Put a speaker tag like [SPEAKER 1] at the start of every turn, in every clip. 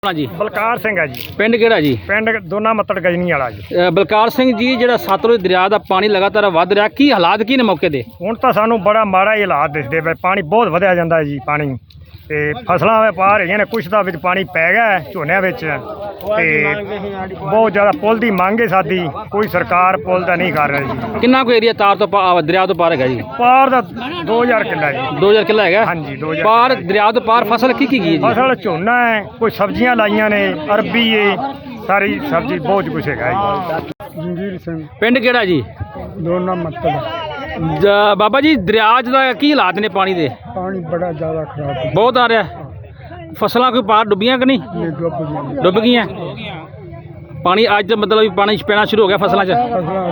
[SPEAKER 1] जी
[SPEAKER 2] बलकार सिंह है जी।
[SPEAKER 1] पिंड किहड़ा जी?
[SPEAKER 2] पिंड दोना मत्तड़ गजनी वाला जी।
[SPEAKER 1] बलकार सिंह जी जिहड़ा सतलुज दरिया का पानी लगातार वध रहा, की हालात की ने मौके दे?
[SPEAKER 2] ਹੁਣ ਤਾਂ ਸਾਨੂੰ ਬੜਾ ਮਾੜਾ ਹੀ ਹਾਲਾਤ ਦਿਸਦੇ ਪਏ। ਪਾਣੀ ਬਹੁਤ ਵਧਿਆ ਜਾਂਦਾ ਹੈ ਜੀ। ਪਾਣੀ ਤੇ ਫਸਲਾਂ ਵੇ ਪਾਰ ਹੈਗੀਆਂ ਨੇ, ਕੁਛ ਦਾ ਵਿੱਚ ਪਾਣੀ ਪੈ ਗਿਆ ਹੈ ਝੋਨਿਆਂ ਵਿੱਚ ਤੇ ਬਹੁਤ ਜ਼ਿਆਦਾ ਪੁੱਲ ਦੀ ਮੰਗ ਹੈ ਸਾਡੀ। ਕੋਈ ਸਰਕਾਰ ਪੁੱਲ ਦਾ ਨਹੀਂ ਕਰ ਰਹੀ ਜੀ।
[SPEAKER 1] ਕਿੰਨਾ ਕੋ ਏਰੀਆ ਤਾਰ ਤੋਂ ਦਰਿया ਤੋਂ ਪਾਰ ਹੈਗਾ ਜੀ?
[SPEAKER 2] ਪਾਰ ਦਾ 2000 ਕਿੱਲਾ ਜੀ।
[SPEAKER 1] 2000 ਕਿੱਲਾ ਹੈਗਾ?
[SPEAKER 2] ਹਾਂਜੀ 2000
[SPEAKER 1] ਪਾਰ ਦਰਿया ਤੋਂ ਪਾਰ ਫਸਲ ਕੀ ਗਈ ਹੈ ਜੀ?
[SPEAKER 2] ਫਸਲ ਝੋਨਾ ਹੈ, ਕੋਈ ਸਬਜ਼ੀਆਂ ਲਾਈਆਂ ਨੇ, ਅਰਬੀ ਹੈ, ਸਾਰੀ ਸਬਜ਼ੀ ਬਹੁਤ ਕੁਛ ਹੈਗਾ ਜੀ। ਜੰਗੀਰ ਸਿੰਘ
[SPEAKER 1] ਪਿੰਡ ਕਿਹੜਾ ਜੀ?
[SPEAKER 2] ਦੋਨਾ ਮੱਤੜ।
[SPEAKER 1] ਬਾਬਾ ਜੀ ਦਰਿਆ ਦਾ ਕੀ ਹਾਲਾਤ ਨੇ ਪਾਣੀ ਦੇ?
[SPEAKER 2] ਪਾਣੀ ਬੜਾ ਜ਼ਿਆਦਾ ਖਰਾਬ ਹੈ,
[SPEAKER 1] ਬਹੁਤ ਆ ਰਿਹਾ। ਫਸਲਾਂ ਕੋਈ ਪਾਰ ਡੁੱਬੀਆਂ ਕਿ ਨਹੀਂ? ਡੁੱਬ ਗਈਆਂ। ਪਾਣੀ ਅੱਜ ਮਤਲਬ ਵੀ ਪਾਣੀ ਪੈਣਾ ਸ਼ੁਰੂ ਹੋ ਗਿਆ ਫਸਲਾਂ 'ਚ?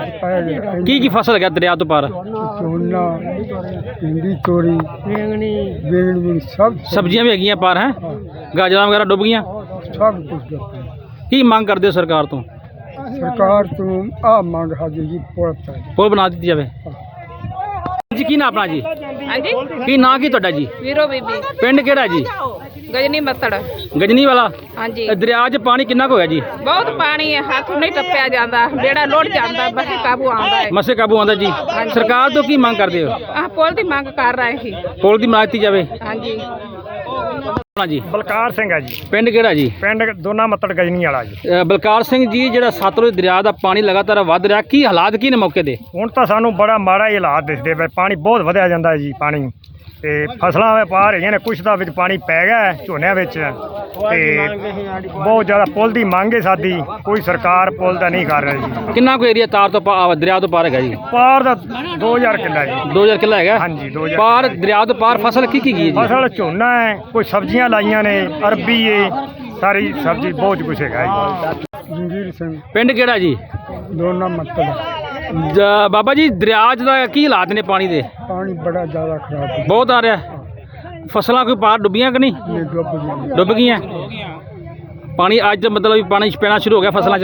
[SPEAKER 1] ਕੀ ਕੀ ਫਸਲ ਹੈਗਾ ਦਰਿਆ ਤੋਂ ਪਾਰ?
[SPEAKER 2] ਝੋਨਾ, ਭਿੰਡੀ, ਤੋਰੀ, ਬੈਂਗਣੀ, ਸਭ
[SPEAKER 1] ਸਬਜ਼ੀਆਂ ਵੀ ਹੈਗੀਆਂ ਪਾਰ ਹੈ? ਗਾਜਰਾਂ ਵਗੈਰਾ ਡੁੱਬ ਗਈਆਂ?
[SPEAKER 2] ਸਭ ਕੁਝ।
[SPEAKER 1] ਕੀ ਮੰਗ ਕਰਦੇ ਹੋ ਸਰਕਾਰ ਤੋਂ?
[SPEAKER 2] ਸਰਕਾਰ ਤੋਂ ਆ ਮੰਗ ਹਾਜੀ ਜੀ
[SPEAKER 1] ਪੁਲ ਬਣਾ ਦਿੱਤੀ ਜਾਵੇ ਜੀ। ਕੀ ਨਾਂ ਆਪਣਾ ਜੀ?
[SPEAKER 3] ਹਾਂਜੀ
[SPEAKER 1] ਕੀ ਨਾਂ ਕੀ ਤੁਹਾਡਾ ਜੀ?
[SPEAKER 3] ਵੀਰੋ ਬੀਬੀ
[SPEAKER 1] ਪਿੰਡ ਕਿਹੜਾ ਜੀ?
[SPEAKER 3] ਗਜਨੀ ਮੱਤੜ।
[SPEAKER 1] ਗਜਨੀ ਵਾਲਾ।
[SPEAKER 3] ਹਾਂਜੀ
[SPEAKER 1] ਇਹ ਦਰਿਆ 'ਚ ਪਾਣੀ ਕਿੰਨਾ ਕੁ ਹੋਇਆ ਜੀ?
[SPEAKER 3] ਬਹੁਤ ਪਾਣੀ ਹੈ, ਹੱਥ ਨਹੀਂ ਟੱਪਿਆ ਜਾਂਦਾ, ਬੇੜਾ ਲੁੱਟ ਜਾਂਦਾ, ਬਸੇ ਕਾਬੂ ਆਉਂਦਾ ਹੈ।
[SPEAKER 1] ਮਸੇ ਕਾਬੂ ਆਉਂਦਾ ਜੀ। ਸਰਕਾਰ ਤੋਂ ਕੀ ਮੰਗ ਕਰਦੇ ਹੋ?
[SPEAKER 3] ਆਹ ਪੁੱਲ ਦੀ ਮੰਗ ਕਰ ਰਹੇ ਸੀ।
[SPEAKER 1] ਪੁਲ ਦੀ ਬਣਾ ਦਿੱਤੀ ਜਾਵੇ।
[SPEAKER 3] ਹਾਂਜੀ
[SPEAKER 1] ਆਪਣਾ ਜੀ?
[SPEAKER 2] ਬਲਕਾਰ ਸਿੰਘ ਹੈ ਜੀ।
[SPEAKER 1] ਪਿੰਡ ਕਿਹੜਾ ਜੀ?
[SPEAKER 2] ਪਿੰਡ ਦੋਨਾ ਮੱਤੜ ਗਜਨੀ ਵਾਲਾ ਜੀ।
[SPEAKER 1] ਬਲਕਾਰ ਸਿੰਘ ਜੀ ਜਿਹੜਾ ਸਤਲੁਜ ਦਰਿਆ ਦਾ ਪਾਣੀ ਲਗਾਤਾਰ ਵਧ ਰਿਹਾ, ਕੀ ਹਾਲਾਤ ਕੀ ਨੇ ਮੌਕੇ ਦੇ?
[SPEAKER 2] ਹੁਣ ਤਾਂ ਸਾਨੂੰ ਬੜਾ ਮਾੜਾ ਹੀ ਹਾਲਾਤ ਦਿਸਦੇ ਪਏ। ਪਾਣੀ ਬਹੁਤ ਵਧਿਆ ਜਾਂਦਾ ਹੈ ਜੀ। ਪਾਣੀ ਤੇ ਫਸਲਾਂ ਵੇ ਪਾਰ ਹੈਗੀਆਂ ਨੇ, ਕੁਛ ਦਾ ਵਿੱਚ ਪਾਣੀ ਪੈ ਗਿਆ ਹੈ ਝੋਨਿਆਂ ਵਿੱਚ ਤੇ ਬਹੁਤ ਜ਼ਿਆਦਾ ਪੁੱਲ ਦੀ ਮੰਗ ਹੈ ਸਾਡੀ। ਕੋਈ ਸਰਕਾਰ ਪੁੱਲ ਦਾ ਨਹੀਂ ਕਰ ਰਹੀ ਜੀ।
[SPEAKER 1] ਕਿੰਨਾ ਕੁ ਏਰੀਆ ਤਾਰ ਤੋਂ ਦਰਿਆ ਤੋਂ ਪਾਰ ਹੈਗਾ ਜੀ?
[SPEAKER 2] ਪਾਰ ਦਾ 2000 ਕਿੱਲਾ ਜੀ।
[SPEAKER 1] 2000 ਕਿੱਲਾ ਹੈਗਾ?
[SPEAKER 2] ਹਾਂਜੀ 2000
[SPEAKER 1] ਪਾਰ ਦਰਿਆ ਤੋਂ ਪਾਰ ਫਸਲ ਕੀ ਗਈ ਹੈ ਜੀ?
[SPEAKER 2] ਫਸਲ ਝੋਨਾ ਹੈ, ਕੋਈ ਸਬਜ਼ੀਆਂ ਲਾਈਆਂ ਨੇ, ਅਰਬੀ ਹੈ, ਸਾਰੀ ਸਬਜ਼ੀ ਬਹੁਤ ਕੁਛ ਹੈਗਾ ਜੀ। ਜੰਗੀਰ ਸਿੰਘ
[SPEAKER 1] ਪਿੰਡ ਕਿਹੜਾ ਜੀ?
[SPEAKER 2] ਦੋਨਾ ਮੱਤੜ।
[SPEAKER 1] ਬਾਬਾ ਜੀ ਦਰਿਆ ਦਾ ਕੀ ਹਾਲਾਤ ਨੇ ਪਾਣੀ ਦੇ?
[SPEAKER 2] ਪਾਣੀ ਬੜਾ ਜ਼ਿਆਦਾ ਖਰਾਬ ਹੈ,
[SPEAKER 1] ਬਹੁਤ ਆ ਰਿਹਾ। ਫਸਲਾਂ ਕੋਈ ਪਾਰ ਡੁੱਬੀਆਂ ਕਿ ਨਹੀਂ? ਡੁੱਬ ਗਈਆਂ। ਪਾਣੀ ਅੱਜ ਮਤਲਬ ਵੀ ਪਾਣੀ ਪੈਣਾ ਸ਼ੁਰੂ ਹੋ ਗਿਆ ਫਸਲਾਂ 'ਚ?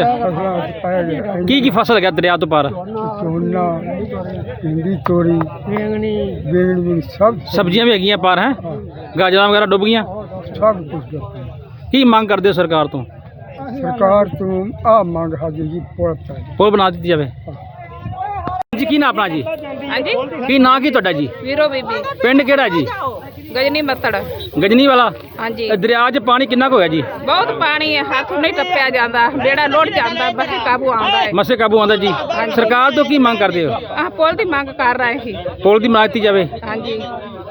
[SPEAKER 1] ਕੀ ਕੀ ਫਸਲ ਹੈਗਾ ਦਰਿਆ ਤੋਂ ਪਾਰ?
[SPEAKER 2] ਝੋਨਾ, ਭਿੰਡੀ, ਤੋਰੀ, ਬੈਂਗਣੀ, ਸਭ
[SPEAKER 1] ਸਬਜ਼ੀਆਂ ਵੀ ਹੈਗੀਆਂ ਪਾਰ ਹੈ? ਗਾਜਰਾਂ ਵਗੈਰਾ ਡੁੱਬ ਗਈਆਂ?
[SPEAKER 2] ਸਭ ਕੁਝ।
[SPEAKER 1] ਕੀ ਮੰਗ ਕਰਦੇ ਹੋ ਸਰਕਾਰ ਤੋਂ?
[SPEAKER 2] ਸਰਕਾਰ ਤੋਂ ਆ ਮੰਗ ਹਾਜੀ ਜੀ
[SPEAKER 1] ਪੁਲ ਬਣਾ ਦਿੱਤੀ ਜਾਵੇ ਜੀ। ਕੀ ਨਾਂ ਆਪਣਾ ਜੀ?
[SPEAKER 3] ਹਾਂਜੀ
[SPEAKER 1] ਕੀ ਨਾਂ ਕੀ ਤੁਹਾਡਾ ਜੀ?
[SPEAKER 3] ਵੀਰੋ ਬੀਬੀ
[SPEAKER 1] ਪਿੰਡ ਕਿਹੜਾ ਜੀ?
[SPEAKER 3] ਗਜਨੀ ਮੱਤੜ।
[SPEAKER 1] ਗਜਨੀ ਵਾਲਾ।
[SPEAKER 3] ਹਾਂਜੀ
[SPEAKER 1] ਇਹ ਦਰਿਆ 'ਚ ਪਾਣੀ ਕਿੰਨਾ ਕੁ ਹੋਇਆ ਜੀ?
[SPEAKER 3] ਬਹੁਤ ਪਾਣੀ ਹੈ, ਹੱਥ ਨਹੀਂ ਟੱਪਿਆ ਜਾਂਦਾ, ਬੇੜਾ ਲੁੱਟ ਜਾਂਦਾ, ਬਸੇ ਕਾਬੂ ਆਉਂਦਾ ਹੈ।
[SPEAKER 1] ਮਸੇ ਕਾਬੂ ਆਉਂਦਾ ਜੀ। ਸਰਕਾਰ ਤੋਂ ਕੀ ਮੰਗ ਕਰਦੇ ਹੋ?
[SPEAKER 3] ਆਹ ਪੁੱਲ ਦੀ ਮੰਗ ਕਰ ਰਹੇ ਸੀ।
[SPEAKER 1] ਪੁਲ ਦੀ ਬਣਾ ਦਿੱਤੀ ਜਾਵੇ।
[SPEAKER 3] ਹਾਂਜੀ